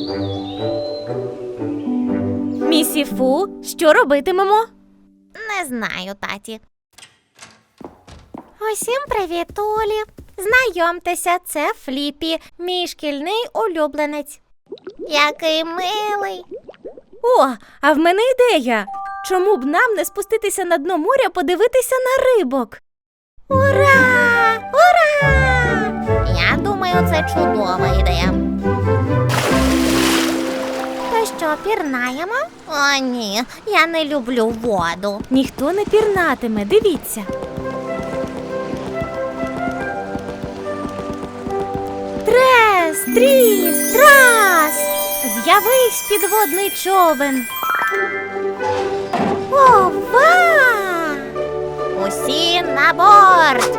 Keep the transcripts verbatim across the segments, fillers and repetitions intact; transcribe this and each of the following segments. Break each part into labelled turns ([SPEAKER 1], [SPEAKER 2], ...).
[SPEAKER 1] Місіфу, що робитимемо?
[SPEAKER 2] Не знаю, таті. Усім привіт, Олі. Знайомтеся, це Фліппі, мій шкільний улюбленець. Який милий.
[SPEAKER 1] О, а в мене ідея. Чому б нам не спуститися на дно моря подивитися на рибок?
[SPEAKER 2] Ура! Ура! Я думаю, це чудова ідея. То що, пірнаємо? О, ні, я не люблю воду.
[SPEAKER 1] Ніхто не пірнатиме, дивіться. Трес, тріс, трас! З'явись підводний човен.
[SPEAKER 2] Ова! Усі на борт!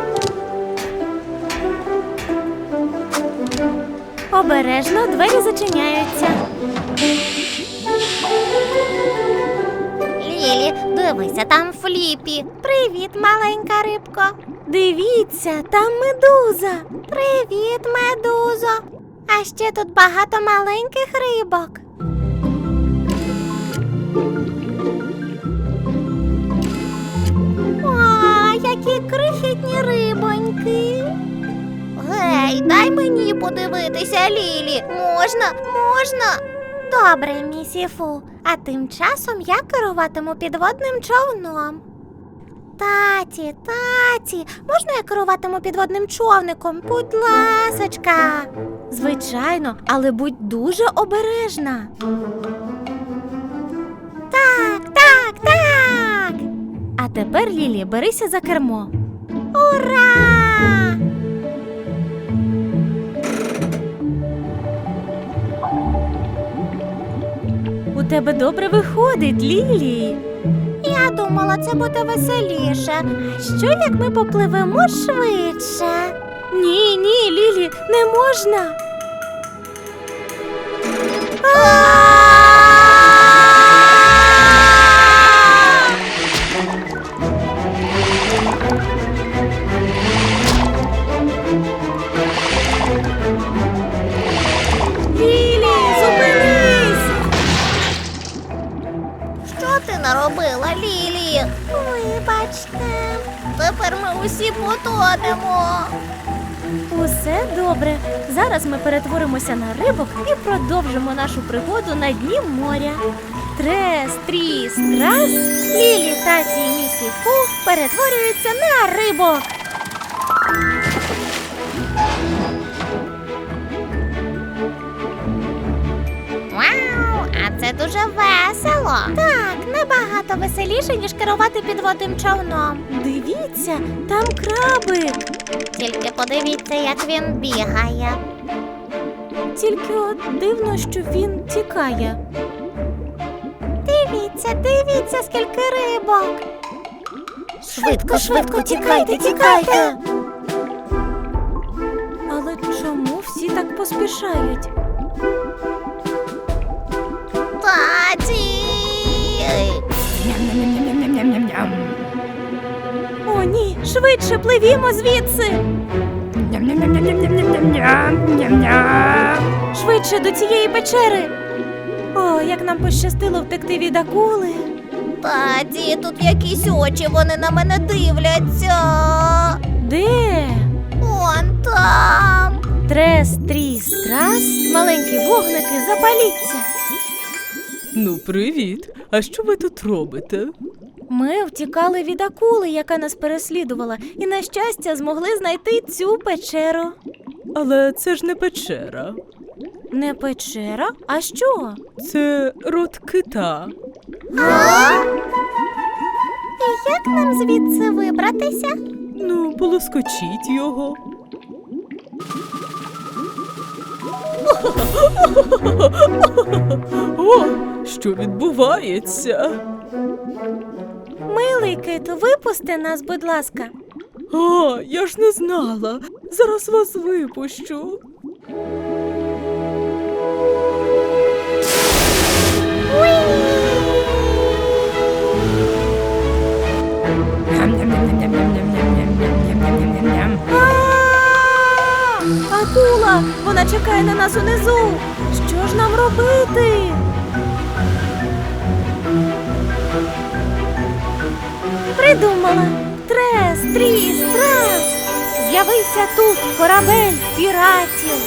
[SPEAKER 1] Обережно, двері зачиняються.
[SPEAKER 2] Лілі, дивися, там Фліппі. Привіт, маленька рибко.
[SPEAKER 1] Дивіться, там медуза.
[SPEAKER 2] Привіт, медузо. А ще тут багато маленьких рибок. О, які крихітні рибоньки. Гей, дай мені подивитися, Лілі. Можна? Можна? Добре, місіфу. А тим часом я керуватиму підводним човном. Таті, таті, можна я керуватиму підводним човником? Будь ласочка.
[SPEAKER 1] Звичайно, але будь дуже обережна.
[SPEAKER 2] Так, так, так.
[SPEAKER 1] А тепер, Лілі, берися за кермо.
[SPEAKER 2] Ура!
[SPEAKER 1] У тебе добре виходить, Лілі.
[SPEAKER 2] Я думала, це буде веселіше. Що, як ми попливемо швидше?
[SPEAKER 1] Ні, ні, Лілі, не можна. Лілі, зупинись!
[SPEAKER 2] Що ти наробила, Лілі? Вибачте. Тепер ми усі потонемо.
[SPEAKER 1] Усе добре. Зараз ми перетворимося на рибок і продовжимо нашу пригоду на дні моря. Трес, тріс, трас, Лілі, таті і місіфу перетворюються на рибок.
[SPEAKER 2] Вау, а це дуже весело. Так, набагато веселіше, ніж керувати підводним човном.
[SPEAKER 1] Дивіться, там крабик.
[SPEAKER 2] Тільки подивіться, як він бігає.
[SPEAKER 1] Тільки от дивно, що він тікає.
[SPEAKER 2] Дивіться, дивіться, скільки рибок.
[SPEAKER 1] Швидко, швидко, тікайте, тікайте. Але чому всі так поспішають?
[SPEAKER 2] Таті!
[SPEAKER 3] Ням-ням-ням-ням-ням-ням-ням.
[SPEAKER 1] О, ні, швидше пливімо звідси.
[SPEAKER 3] Ням-ням-ням-ням-ням-ням-ням.
[SPEAKER 1] Швидше до цієї печери. О, як нам пощастило втекти від акули.
[SPEAKER 2] Таті, тут якісь очі, вони на мене дивляться.
[SPEAKER 1] Де?
[SPEAKER 2] Он там.
[SPEAKER 1] Трес, тріс, трас, маленькі вогники, запаліться.
[SPEAKER 4] Ну, привіт. А що ви тут робите?
[SPEAKER 1] Ми втікали від акули, яка нас переслідувала, і, на щастя, змогли знайти цю печеру.
[SPEAKER 4] Але це ж не печера.
[SPEAKER 1] Не печера? А що?
[SPEAKER 4] Це рот кита.
[SPEAKER 2] А? І як нам звідси вибратися?
[SPEAKER 4] Ну, полоскочіть його. О, що відбувається?
[SPEAKER 1] Милий киту, випусти нас, будь ласка.
[SPEAKER 4] А, я ж не знала. Зараз вас випущу.
[SPEAKER 1] Акула! Вона чекає на нас унизу! Що Що ж нам робити? Придумала. Трес, тріс, трас. З'явився тут корабель піратів.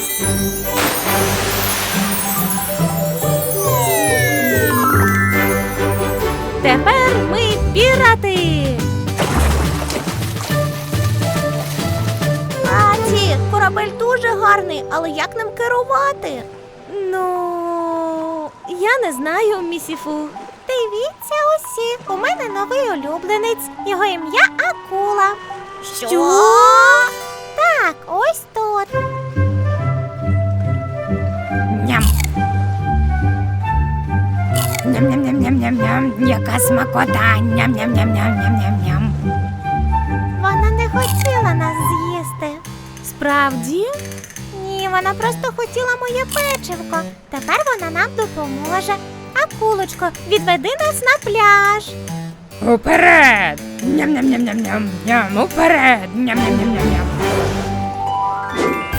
[SPEAKER 1] Тепер ми пірати.
[SPEAKER 2] Таті, корабель дуже гарний, але як ним керувати?
[SPEAKER 1] Ну, я не знаю, місіфу.
[SPEAKER 2] Дивіться усі, у мене новий улюбленець. Його ім'я Акула.
[SPEAKER 1] Що?
[SPEAKER 2] Так, ось тут.
[SPEAKER 3] Ням. Ням-ням-ням-ням-ням-ням. Яка смакота. Ням-ням-ням-ням-ням-ням.
[SPEAKER 2] Вона не хотіла нас з'їсти.
[SPEAKER 1] Справді?
[SPEAKER 2] Ні, вона просто хотіла моє печивко. Тепер вона нам допоможе. Акулочко, відведи нас на пляж.
[SPEAKER 3] Уперед. Ням-ням-ням-ням-ням. Ням. Уперед. Ням-ням-ням-ням-ням.